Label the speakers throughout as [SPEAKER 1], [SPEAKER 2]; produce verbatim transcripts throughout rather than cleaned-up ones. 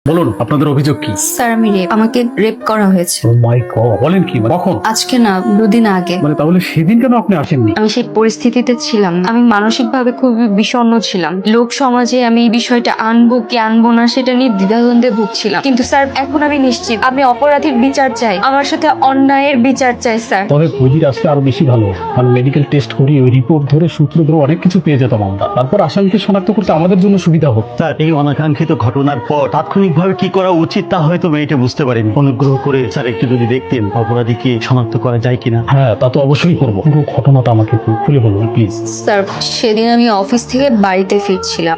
[SPEAKER 1] বলুন আপনাদের অভিযোগ কি?
[SPEAKER 2] স্যার আমি রেপ আমাকে রেপ করা হয়েছে।
[SPEAKER 1] ও মাই গড, বলেন কি? কখন?
[SPEAKER 2] আজকে না, দুদিন আগে।
[SPEAKER 1] মানে তাহলে সেদিন কেন আপনি আসেননি?
[SPEAKER 2] আমি সেই পরিস্থিতিতে ছিলাম না। আমি মানসিক ভাবে খুবই বিষণ্ণ ছিলাম। লোক সমাজে আমি এই বিষয়টা আনবো কি আনবো না সেটা নিয়ে দ্বিধাদ্বন্দ্বে ভুগছিলাম। কিন্তু স্যার এখন আমি নিশ্চিত, আমি অপরাধীর বিচার চাই, আমার সাথে অন্যায়ের বিচার চাই স্যার।
[SPEAKER 1] তবে পুঁজির আসলে আরো বেশি ভালো, কারণ মেডিকেল টেস্ট করি ওই রিপোর্ট ধরে সূত্র ধরে অনেক কিছু পেয়ে যেতাম আমরা। তারপর আসামিকে শনাক্ত করতে আমাদের জন্য সুবিধা হোক।
[SPEAKER 3] স্যার, এই অনাকাঙ্ক্ষিত ঘটনার পর তাৎক্ষণিকভাবে কি করা উচিত তা হয়তো মেয়েটা বুঝতে পারেনি। অনুগ্রহ করে স্যার একটু যদি দেখতেন অপরাধীকে শনাক্ত করা যায় কিনা।
[SPEAKER 1] হ্যাঁ, তা তো অবশ্যই করবো। পুরো ঘটনাটা আমাকে একটু খুলে বলুন প্লিজ।
[SPEAKER 2] স্যার সেদিন আমি অফিস থেকে বাড়িতে ফিরছিলাম,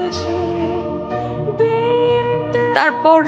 [SPEAKER 2] তারপর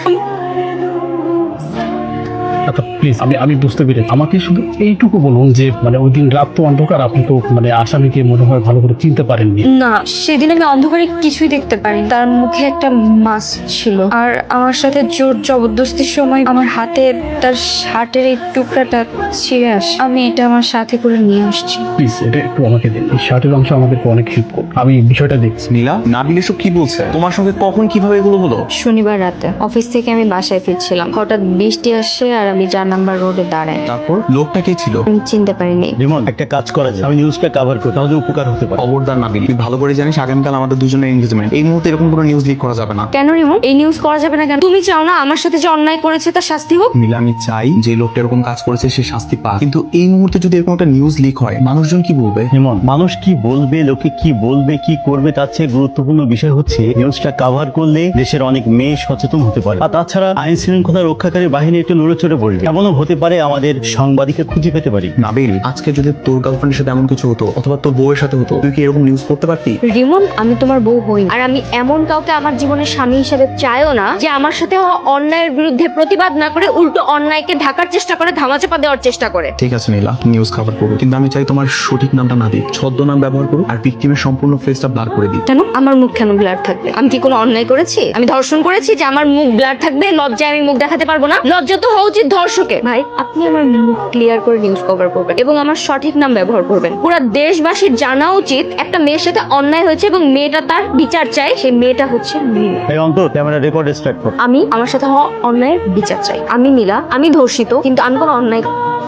[SPEAKER 1] আচ্ছা প্লিজ, আমি আমি বুঝতে পেরেছি। আমাকে শুধু এইটুকু বলুন যে মানে ওই দিন রাত তো অন্ধকার, আপনি তো মানে আসামিকে মনে হয় ভালো করে চিনতে পারেননি।
[SPEAKER 2] না, সেদিন আমি অন্ধকারে কিছুই দেখতে পারি। তার মুখে একটা মাস্ক ছিল, আর আমার সাথে জোর জবরদস্তির সময় আমার হাতে তার শার্টের এই টুকরাটা ছিঁড়ে আসে। আমি এটা আমার সাথে করে নিয়ে আসছি।
[SPEAKER 1] প্লিজ এটা একটু আমাকে দিন, এই শার্টের অংশ আমাদেরকে অনেক হেল্প করবে। আমি বিষয়টা দেখছি।
[SPEAKER 4] নীলা, নাবিল এসব কি বলছে? তোমার সঙ্গে কখন কিভাবে এগুলো হলো?
[SPEAKER 2] শনিবার রাতে অফিস থেকে আমি বাসায় ফিরছিলাম, হঠাৎ বৃষ্টি আসে আর আমি চার নাম্বার রোডে দাঁড়াই।
[SPEAKER 4] তারপর লোকটা কে ছিল?
[SPEAKER 2] আমি চিনতে পারিনি।
[SPEAKER 3] রিমন, একটা কাজ করা যায়, আমি নিউজটা কভার করি, তাহলে উপকার হতে পারে।
[SPEAKER 4] খবরদার নাবিল, তুই ভালো করে জানিস আগামীকাল আমাদের দুজনের এনগেজমেন্ট। এই মুহূর্তে এরকম কোনো নিউজ লিক করা যাবে না।
[SPEAKER 2] কেন রিমন, এই নিউজ করা যাবে না কেন? তুমি চাও না আমার সাথে যে অন্যায় করেছে তার শাস্তি হোক?
[SPEAKER 4] নীলা, আমি চাই যে লোকটা এরকম কাজ করেছে সে শাস্তি পাক, কিন্তু এই মুহূর্তে যদি এরকম একটা নিউজ লিক হয় মানুষজন কি বলবে?
[SPEAKER 3] রিমন, মানুষ কি বলবে, লোকে কি বলবে, কি করবে, তার চেয়ে গুরুত্বপূর্ণ বিষয় হচ্ছে নিউজটা কভার করলে দেশের অনেক মেয়ে সচেতন হতে পারে। আর তাছাড়া আইন শৃঙ্খলা রক্ষাকারী বাহিনী একটু নড়ে চড়ে পড়বে। এমনও হতে পারে আমাদের সাংবাদিককে খুঁজে পেতে পারি।
[SPEAKER 4] নাবিল, আজকে যদি তোর গার্লফ্রেন্ডের সাথে এমন কিছু হতো অথবা তোর বউয়ের সাথে হতো, তুই কি এরকম নিউজ করতে পারতি?
[SPEAKER 2] রিমন, আমি তোমার বউ হই না। আর আমি এমন কাউকে আমার জীবনের স্বামী হিসেবে চাইও না যে আমার সাথে হওয়া অন্যায়ের বিরুদ্ধে প্রতিবাদ না করে উল্টো অন্যায়কে ঢাকার চেষ্টা করে, ধামাচাপা দেওয়ার চেষ্টা করে।
[SPEAKER 4] ঠিক আছে নীলা, নিউজ কভার করো, কিন্তু আমি চাই তোমার সঠিক নামটা না দিই, ছদ্মনাম ব্যবহার করো আর ভিকটিমের সম্পূর্ণ ফেসটা ব্লার করে দিই।
[SPEAKER 2] কেন আমার মুখ কেন ব্লার থাকবে? আমি কি কোনো অন্যায় করেছি? আমি ধর্ষণ করেছি যে আমার মুখ ব্লার থাকবে? লজ্জায় আমি মুখ দেখাতে পারবো না? লজ্জা তো হওয়া উচিত ধর্ষকের। ভাই, আপনি আমার মুখ ক্লিয়ার করে নিউজ কভার করবেন এবং আমার সঠিক নাম ব্যবহার করবেন। পুরো দেশবাসীর জানা উচিত একটা মেয়ের সাথে অন্যায় হয়েছে এবং মেয়েটা তার বিচার চায়। সেই মেয়েটা হচ্ছে নীলা।
[SPEAKER 3] এই অন্তর, ক্যামেরা রেকর্ড স্টার্ট কর।
[SPEAKER 2] আমি আমার সাথে হওয়া অন্যায়ের বিচার চাই। আমি নীলা, আমি ধর্ষিত, কিন্তু আমি কোনো অন্যায়।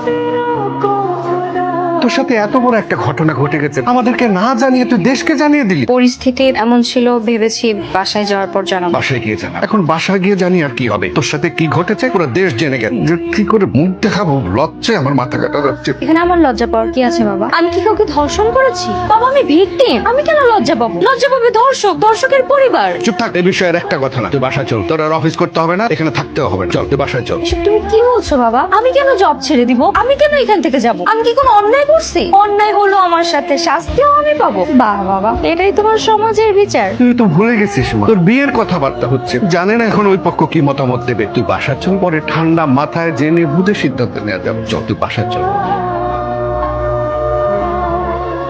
[SPEAKER 5] তোর সাথে এত বড় একটা ঘটনা ঘটে গেছে, আমাদেরকে না জানিয়ে তুই দেশকে জানিয়ে দিলি।
[SPEAKER 2] পরিস্থিতি এমন ছিল, ভেবেছি বাসায় যাওয়ার পর জানাবো।
[SPEAKER 5] বাসায় গিয়ে জানা। এখন বাসায় গিয়ে জানি আর কি হবে? তোর সাথে কি ঘটেছে পুরো দেশ জেনে গেল। যে কি করে মুখ দেখাবো, লজ্জায় আমার মাথা কাটা যাচ্ছে।
[SPEAKER 2] এখানে আমার লজ্জা পাওয়ার কি আছে বাবা? আমি কি কাউকে ধর্ষণ করেছি? বাবা আমি ভিকটিম, আমি কেন লজ্জা পাবো? লজ্জা পাবে ধর্ষক, ধর্ষকের পরিবার।
[SPEAKER 5] চুপ থাক, এই বিষয়ের একটা কথা না। তুই বাসা চল, তোর আর অফিস করতে হবে না, এখানে থাকতেও হবে না। চল তুই বাসায় চল।
[SPEAKER 2] এসব তুমি কি বলছো বাবা? আমি কেন জব ছেড়ে দিব? আমি কেন এখান থেকে যাব? আমি কি কোনো অন্যায় করছি? অন্যায় হলো আমার সাথে, শাস্তিও আমি পাবো। বাহ বাবা, এটাই তোমার সমাজের বিচার?
[SPEAKER 5] তুই তো ভুলে গেছিস মা, তোর বিয়ের কথাবার্তা হচ্ছে, জানে না এখন ওই পক্ষ কি মতামত দেবে। তুই বাসা চল, পরে ঠান্ডা মাথায় জেনে বুঝে সিদ্ধান্ত নেওয়া যাবে। চল তুই বাসা চল।